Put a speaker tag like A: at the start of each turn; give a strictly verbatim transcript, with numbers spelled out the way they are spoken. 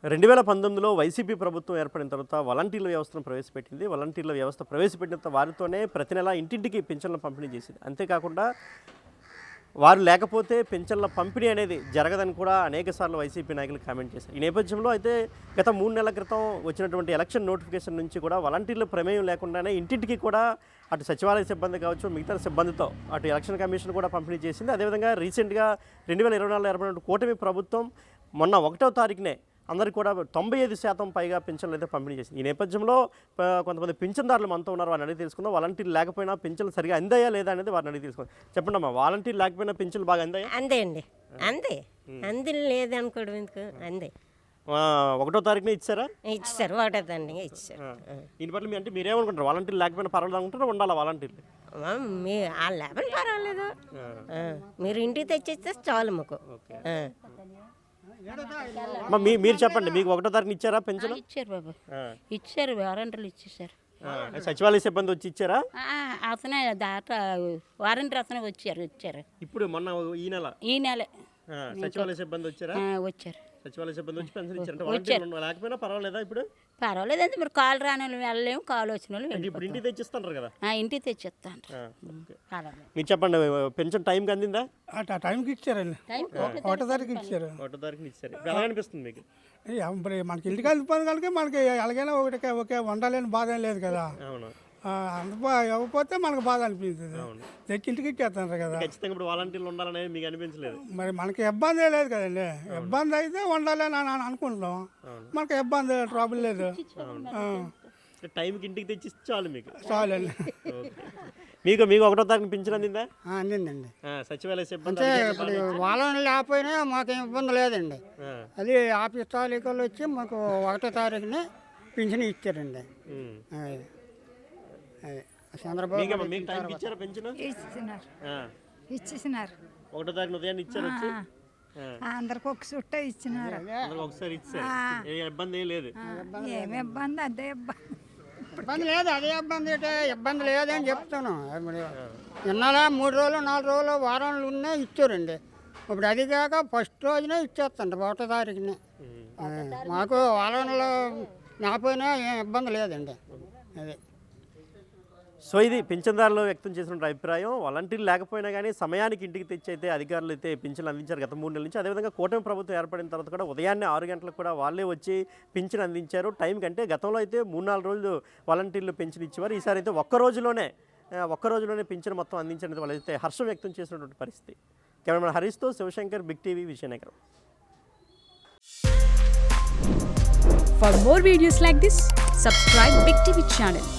A: రెండు వేల పంతొమ్మిదిలో వైసీపీ ప్రభుత్వం ఏర్పడిన తర్వాత వాలంటీర్ల వ్యవస్థను ప్రవేశపెట్టింది. వాలంటీర్ల వ్యవస్థ ప్రవేశపెట్టిన వారితోనే ప్రతి నెల ఇంటింటికి పింఛన్ల పంపిణీ చేసింది. అంతేకాకుండా వారు లేకపోతే పింఛన్ల పంపిణీ అనేది జరగదని కూడా అనేక సార్లు వైసీపీ నాయకులు కామెంట్ చేశారు. ఈ నేపథ్యంలో అయితే గత మూడు నెలల క్రితం వచ్చినటువంటి ఎలక్షన్ నోటిఫికేషన్ నుంచి కూడా వాలంటీర్ల ప్రమేయం లేకుండానే ఇంటింటికి కూడా అటు సచివాలయ సిబ్బంది కావచ్చు, మిగతా సిబ్బందితో అటు ఎలక్షన్ కమిషన్ కూడా పంపిణీ చేసింది. అదేవిధంగా రీసెంట్గా రెండు వేల ఇరవై నాలుగులో ఏర్పడిన కూటమి ప్రభుత్వం మొన్న ఒకటో తారీఖునే అందరికీ కూడా తొంభై ఐదు శాతం పైగా పింఛన్లు అయితే పంపిణీ చేసింది. ఈ నేపథ్యంలో కొంతమంది పింఛన్దారులు మనతో ఉన్నారు, వారిని అడిగి తెలుసుకుందాం. వాలంటీర్లు లేకపోయినా పింఛన్లు సరిగా అందాయా లేదా అనేది వారిని అడిగి తెలుసుకుందాం. చెప్పండి అమ్మా, వాలంటీర్లు లేకపోయినా పింఛన్లు బాగా అందాయా?
B: అందే అండి, అందే అంది లేదనుకోవడం ఎందుకు, అందే.
A: ఒకటో తారీఖునే ఇచ్చారా?
B: ఇచ్చారు, ఒకటో తారీఖునే ఇచ్చారు.
A: దీని పట్ల మీ అంటే మీరేమనుకుంటారు? వాలంటీర్లు లేకపోయినా పర్వాలేదు అనుకుంటారా, ఉండాలా వాలంటీర్లు?
B: మీ ఆ లేబర్ పర్వాలేదు, మీరు ఇంటికి తెచ్చిస్తే చాలు మాకు.
A: మీ మీరు చెప్పండి, మీకు ఒకటో తారీఖున ఇచ్చారా పెన్షన్?
C: ఇచ్చారు బాబు, ఇచ్చారు, వారంటీలు ఇచ్చేసారు.
A: సచివాలయ సిబ్బంది వచ్చి ఇచ్చారా?
C: అతనే దాట వారంటీ అతనే వచ్చారు ఇచ్చారు.
A: ఇప్పుడు మొన్న ఈ నెల
C: ఈ నెల
A: సచివాలయ సిబ్బంది వచ్చారా?
C: వచ్చారు,
A: సచివాలయ సిబ్బంది వచ్చి పెన్షన్ ఇచ్చారు. లేకపోయినా పర్వాలేదా? ఇప్పుడు
C: పర్వాలేదు అండి, మీరు కాలు రాని వాళ్ళు వెళ్ళలేము, కాలు వచ్చిన వాళ్ళు
A: ఇప్పుడు ఇంటికి తెచ్చిస్తారు కదా?
C: ఇంటికి తెచ్చిస్తాను.
A: మీరు చెప్పండి, పెన్షన్ టైంకి అందిందా?
D: టైంకి ఇచ్చారండి, ఒకటో తారీఖు ఇచ్చారు.
A: ఒకటో తారీఖున ఇచ్చారు. ఎలా అనిపిస్తుంది మీకు?
D: మరి మనకి ఇంటికి వెళ్ళిపోయింది కనుక మనకి ఎలాగైనా ఒకటి ఒకే వండాలని బాధ ఏం లేదు కదా.
A: అవును,
D: అందుకో ఇవ్వకపోతే మనకు బాధ అనిపించింది. తెచ్చి ఇంటికి ఇచ్చేస్తున్నారు కదా.
A: ఖచ్చితంగా ఇప్పుడు వాలంటీర్లు ఉండాలనేది మీకు అనిపించలేదు?
D: మరి మనకి ఇబ్బంది లేదు కదండి. ఇబ్బంది అయితే ఉండాలని అని అనుకుంటున్నాం, మనకి ఇబ్బంది ట్రబుల్ లేదు.
A: టైంకి ఇంటికి తెచ్చి చాలు మీకు,
D: చాలండి.
A: మీకు మీకు ఒకటో తారీఖున పింఛన్ అందిందా?
D: అందిందండి.
A: సచివాలయ సిబ్బంది
D: ఇప్పుడు వాళ్ళని లేకపోయినా మాకేం ఇబ్బంది లేదండి. అది ఆఫీస్ తాలూకాలు వచ్చి మాకు ఒకటో తారీఖుని పింఛన్ ఇచ్చారండి. చంద్రబాబు
A: ఇచ్చారా పెన్షన్?
E: ఇచ్చినారు, ఇచ్చేసినారు.
A: ఒకటో తారీఖున ఉదయాన్ని ఇచ్చారు వచ్చి
E: అందరికి ఒక చుట్ట ఇచ్చినారు.
A: ఒకసారి ఇచ్చారు, ఏ ఇబ్బంది ఏం లేదు.
E: ఏమి ఇబ్బంది, అదే ఇబ్బంది.
D: ఇబ్బంది లేదు, అదే ఇబ్బంది అంటే ఇబ్బంది లేదని చెప్తాను. ఇన్నాళ్ళ మూడు రోజులు నాలుగు రోజులు వారాలు ఉన్నా ఇచ్చారండి. ఇప్పుడు అది కాక ఫస్ట్ రోజునే ఇచ్చేస్తాండి, ఒకటో తారీఖుని. మాకు వారంలో నాపోయినా ఏం ఇబ్బంది లేదండి. అదే.
A: సో ఇది పింఛన్దారులు వ్యక్తం చేసిన అభిప్రాయం. వాలంటీర్లు లేకపోయినా కానీ సమయానికి ఇంటికి తెచ్చి అయితే అధికారులు అయితే పింఛన్లు అందించారు గత మూడు నెలల నుంచి. అదేవిధంగా కూటమి ప్రభుత్వం ఏర్పడిన తర్వాత కూడా ఉదయాన్నే ఆరు గంటలకు కూడా వాళ్ళే వచ్చి పింఛన్ అందించారు టైం కంటే. గతంలో అయితే మూడు నాలుగు రోజులు వాలంటీర్లు పింఛన్ ఇచ్చేవారు. ఈసారి అయితే ఒక్క రోజులోనే ఒక్క రోజులోనే పింఛన్ మొత్తం అందించడానికి వాళ్ళైతే హర్షం వ్యక్తం చేసినటువంటి పరిస్థితి. కెమెరామెన్ హరీష్తో Sivasankar, big TV, Vizianagaram.
F: For more videos like this, subscribe Big T V channel.